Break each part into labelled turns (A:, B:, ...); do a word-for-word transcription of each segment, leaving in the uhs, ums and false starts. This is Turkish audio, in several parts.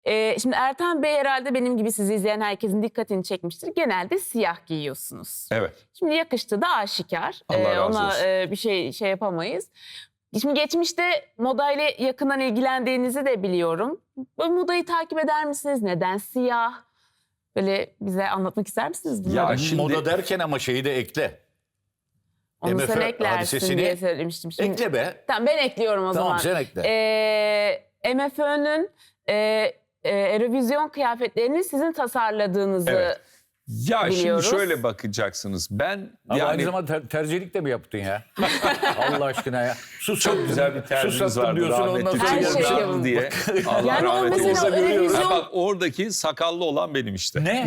A: Ee, şimdi Ertan Bey herhalde benim gibi sizi izleyen herkesin dikkatini çekmiştir. Genelde siyah giyiyorsunuz.
B: Evet.
A: Şimdi yakıştı da aşikar.
B: Allah
A: Ee,
B: razı
A: ona
B: olsun.
A: e, bir şey şey yapamayız. Şimdi geçmişte modayla yakından ilgilendiğinizi de biliyorum. Böyle modayı takip eder misiniz? Neden siyah? Böyle bize anlatmak ister misiniz bunları?
B: Ya şimdi-
C: Moda derken ama şeyi de ekle.
A: Onu
C: M F
A: sen eklersin
C: hadisesini
A: diye söylemiştim. Şimdi,
C: Ekle be.
A: Tamam ben ekliyorum o
C: Tamam,
A: zaman.
C: sen ekle.
A: Ee, M F Ö'nün e, e, Eurovision kıyafetlerini sizin tasarladığınızı
B: Evet. Ya
A: biliyoruz.
B: şimdi şöyle bakacaksınız. Ben
C: Ama
B: yani
C: aynı zamanda ter- terzilik de mi yaptın ya? Allah aşkına ya. Sus
B: çok güzel bir terzimiz vardı
C: diyorsun ondan
B: rahmetli
C: sonra
A: Her
B: Cemil
A: şey
B: Canlı
A: yapın.
B: diye. Allah
A: Yani o
B: rahmet
A: mesela
B: eylesin.
A: Eurovision-
B: Ha bak oradaki sakallı olan benim işte.
C: Ne?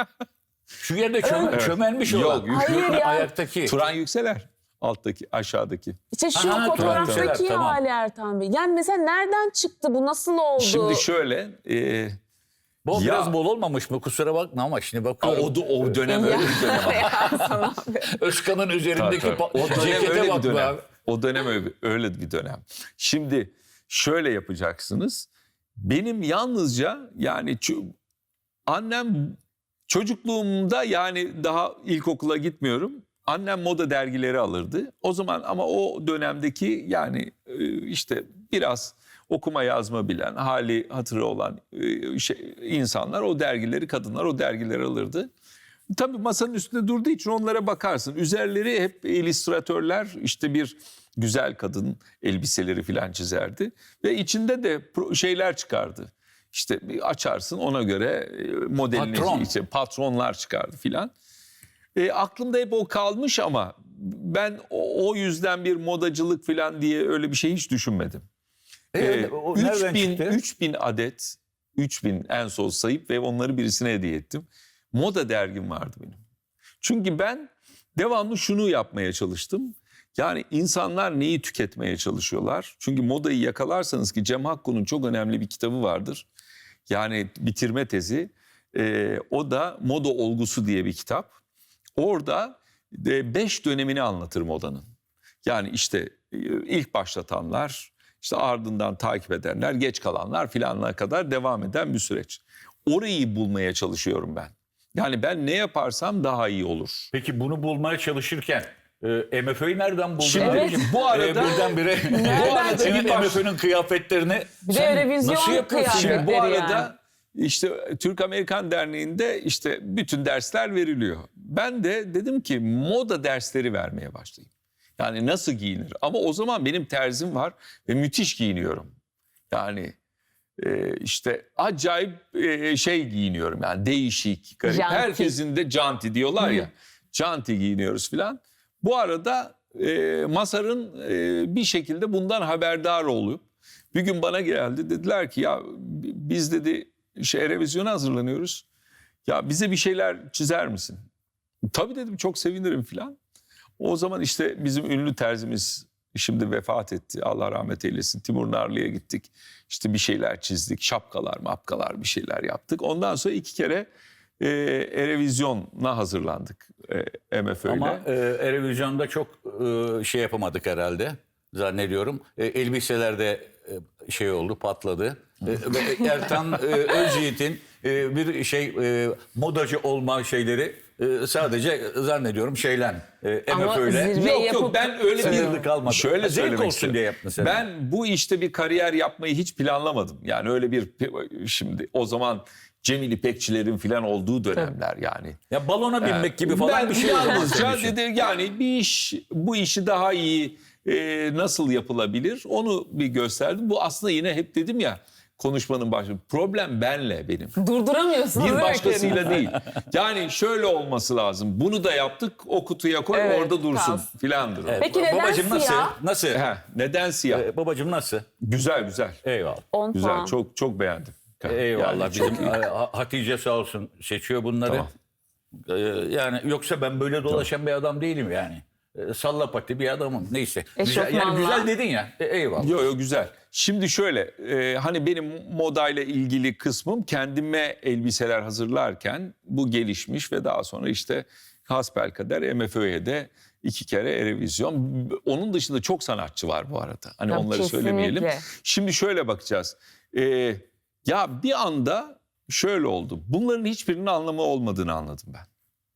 C: Şu yerde çöme-
B: Evet.
C: çömelmiş
B: Yok,
C: olan.
B: yok.
A: Hayır ya.
C: Ayaktaki.
B: Turan Yükseler. Alttaki, aşağıdaki.
A: İşte şu
C: Aha,
A: fotoğraftaki
C: tamam, tamam.
A: hali Ertan Bey. Yani mesela nereden çıktı bu? Nasıl oldu?
B: Şimdi şöyle, e,
C: Bu
B: Ya-
C: biraz bol olmamış mı? Kusura bakma ama şimdi
B: o,
C: bakıyorum.
B: da- o dönem
A: Ya.
B: öyle bir dönem.
A: Ya sana-
C: Özkan'ın üzerindeki
B: Tabii, tabii.
C: pa-
B: O dönem
C: cekete
B: öyle bir
C: bak be
B: dönem.
C: abi.
B: O dönem öyle, öyle bir dönem. Şimdi şöyle yapacaksınız. Benim yalnızca yani ço- annem çocukluğumda yani daha ilkokula gitmiyorum. Annem moda dergileri alırdı. O zaman ama o dönemdeki yani e, işte biraz okuma yazma bilen, hali hatırı olan e, şey, insanlar o dergileri, kadınlar o dergileri alırdı. Tabii masanın üstünde durduğu için onlara bakarsın. Üzerleri hep illüstratörler işte bir güzel kadın elbiseleri falan çizerdi. Ve içinde de pro- şeyler çıkardı. İşte bir açarsın ona göre e, modelini
C: Patron.
B: işte patronlar çıkardı filan. E, aklımda hep o kalmış ama ben o, o yüzden bir modacılık filan diye öyle bir şey hiç düşünmedim.
C: E,
B: Ee,
C: o nereden
B: üç bin,
C: çıktı?
B: üç bin adet, üç bin en son sayıp ve onları birisine hediye ettim. Moda dergim vardı benim. Çünkü ben devamlı şunu yapmaya çalıştım. Yani insanlar neyi tüketmeye çalışıyorlar? Çünkü modayı yakalarsanız ki Cem Hakku'nun çok önemli bir kitabı vardır. Yani bitirme tezi. Ee, o da Moda Olgusu diye bir kitap. Orada e, beş dönemini anlatır modanın. Yani işte e, ilk başlatanlar, işte ardından takip edenler, geç kalanlar filanına kadar devam eden bir süreç. Orayı bulmaya çalışıyorum ben. Yani ben ne yaparsam daha iyi olur.
C: Peki bunu bulmaya çalışırken e, M F Ö'yü nereden buldun?
B: Şimdi
C: abicim?
B: bu arada-
C: E, birdenbire
A: Nereden
C: bu arada
A: çıktı?
C: senin M F Ö'nün kıyafetlerini
A: Bir de
C: sen
A: Eurovision
C: nasıl yapıyorsun?
A: kıyafet.
C: ya?
B: Şimdi bu
A: Yani.
B: arada işte Türk-Amerikan Derneği'nde işte bütün dersler veriliyor. Ben de dedim ki moda dersleri vermeye başlayayım. Yani nasıl giyinir? Ama o zaman benim terzim var ve müthiş giyiniyorum. Yani e, işte acayip e, şey giyiniyorum yani değişik, garip.
A: Janti.
B: Herkesin de canti diyorlar ya. Canti giyiniyoruz filan. Bu arada e, Mazhar'ın e, bir şekilde bundan haberdar olup bir gün bana geldi, dediler ki ya biz dedi şey revizyona hazırlanıyoruz. Ya bize bir şeyler çizer misin? Tabii dedim, çok sevinirim filan. O zaman işte bizim ünlü terzimiz şimdi vefat etti. Allah rahmet eylesin. Timur Narlı'ya gittik. İşte bir şeyler çizdik. Şapkalar, mapkalar bir şeyler yaptık. Ondan sonra iki kere e, Erevizyon'a hazırlandık e, M F Ö'yle.
C: Ama e, Eurovision'da çok e, şey yapamadık herhalde zannediyorum. E, elbiselerde e, şey oldu, patladı. E, ve Ertan e, Özyiğit'in e, bir şey e, modacı olma şeyleri e, sadece zannediyorum şeylen e,
A: Ama
C: M F Ö'yle.
A: zirve
B: Yok
A: yapıp-
B: yok, ben öyle
C: Sınırlı
B: bir
C: kalmadı.
B: şöyle
C: Zevk
B: söylemek
C: olsun
B: istiyorum.
C: diye yaptın sen.
B: Ben bu işte bir kariyer yapmayı hiç planlamadım. Yani öyle bir şimdi o zaman Cemil İpekçilerin falan olduğu dönemler yani.
C: Ya balona binmek gibi falan
B: Ben
C: bir şey o zaman
B: yalnızca
C: senin için.
B: dedi yani bir iş, bu işi daha iyi e, nasıl yapılabilir onu bir gösterdim. Bu aslında yine hep dedim ya konuşmanın başında, problem benle benim.
A: Durduramıyorsunuz.
B: Bir
A: değil mi
B: başkasıyla
A: kendinizi?
B: değil. Yani şöyle olması lazım. Bunu da yaptık, o kutuya koy,
A: Evet,
B: orada dursun
A: kalsın.
B: filandır. o.
C: Evet,
A: Peki neden
C: babacığım nasıl?
A: siyah?
C: Nasıl?
B: Heh, neden siyah?
C: E, babacığım nasıl?
B: Güzel güzel.
C: Eyvallah.
A: on
B: Güzel,
A: puan.
B: çok çok beğendim.
C: Eyvallah.
B: Yani çok
C: Bizim
B: iyi.
C: e, Ha- Hatice sağ olsun seçiyor bunları.
B: Tamam.
C: Ee, yani yoksa ben böyle dolaşan bir adam değilim yani. Ee, salla pati bir adamım. Neyse. Güzel, yani
A: Eşofmanla.
C: güzel dedin ya. E, eyvallah.
B: Yo yo güzel. Şimdi şöyle e, hani benim modayla ilgili kısmım kendime elbiseler hazırlarken bu gelişmiş ve daha sonra işte hasbelkader M F Ö'ye de iki kere Erevizyon. Onun dışında çok sanatçı var bu arada. Hani
A: Tabii,
B: onları
A: kesinlikle.
B: söylemeyelim. Şimdi şöyle bakacağız. E, Ya bir anda şöyle oldu. Bunların hiçbirinin anlamı olmadığını anladım ben.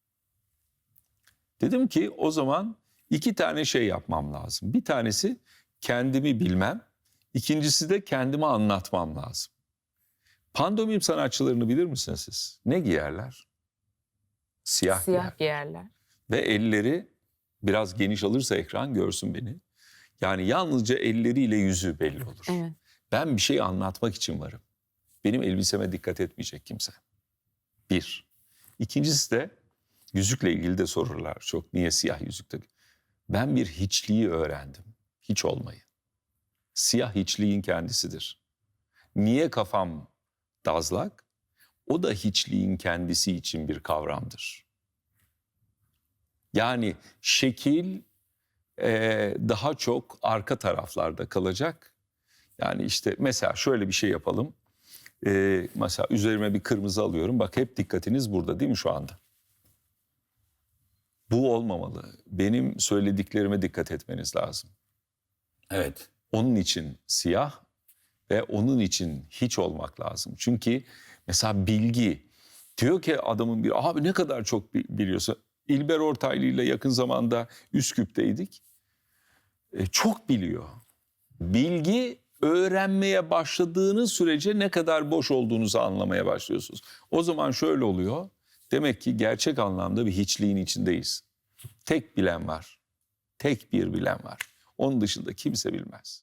B: Dedim ki o zaman iki tane şey yapmam lazım. Bir tanesi kendimi bilmem. İkincisi de kendime anlatmam lazım. Pandomim sanatçılarını bilir misiniz siz? Ne giyerler? Siyah,
A: Siyah
B: giyer.
A: giyerler.
B: Ve elleri biraz geniş alırsa ekran görsün beni. Yani yalnızca elleriyle yüzü belli olur.
A: Evet.
B: Ben bir şey anlatmak için varım. Benim elbiseme dikkat etmeyecek kimse. Bir. İkincisi de yüzükle ilgili de sorurlar çok. Niye siyah yüzükte? Ben bir hiçliği öğrendim. Hiç olmayı. Siyah hiçliğin kendisidir. Niye kafam dazlak? O da hiçliğin kendisi için bir kavramdır. Yani şekil e, daha çok arka taraflarda kalacak. Yani işte mesela şöyle bir şey yapalım. E, mesela üzerime bir kırmızı alıyorum. Bak hep dikkatiniz burada değil mi şu anda? Bu olmamalı. Benim söylediklerime dikkat etmeniz lazım.
C: Evet.
B: Onun için siyah ve onun için hiç olmak lazım. Çünkü mesela bilgi diyor ki adamın bir abi ne kadar çok bi- biliyorsun. İlber Ortaylı ile yakın zamanda Üsküp'teydik. E, çok biliyor. Bilgi öğrenmeye başladığınız sürece ne kadar boş olduğunuzu anlamaya başlıyorsunuz. O zaman şöyle oluyor. Demek ki gerçek anlamda bir hiçliğin içindeyiz. Tek bilen var. Tek bir bilen var. Onun dışında kimse bilmez.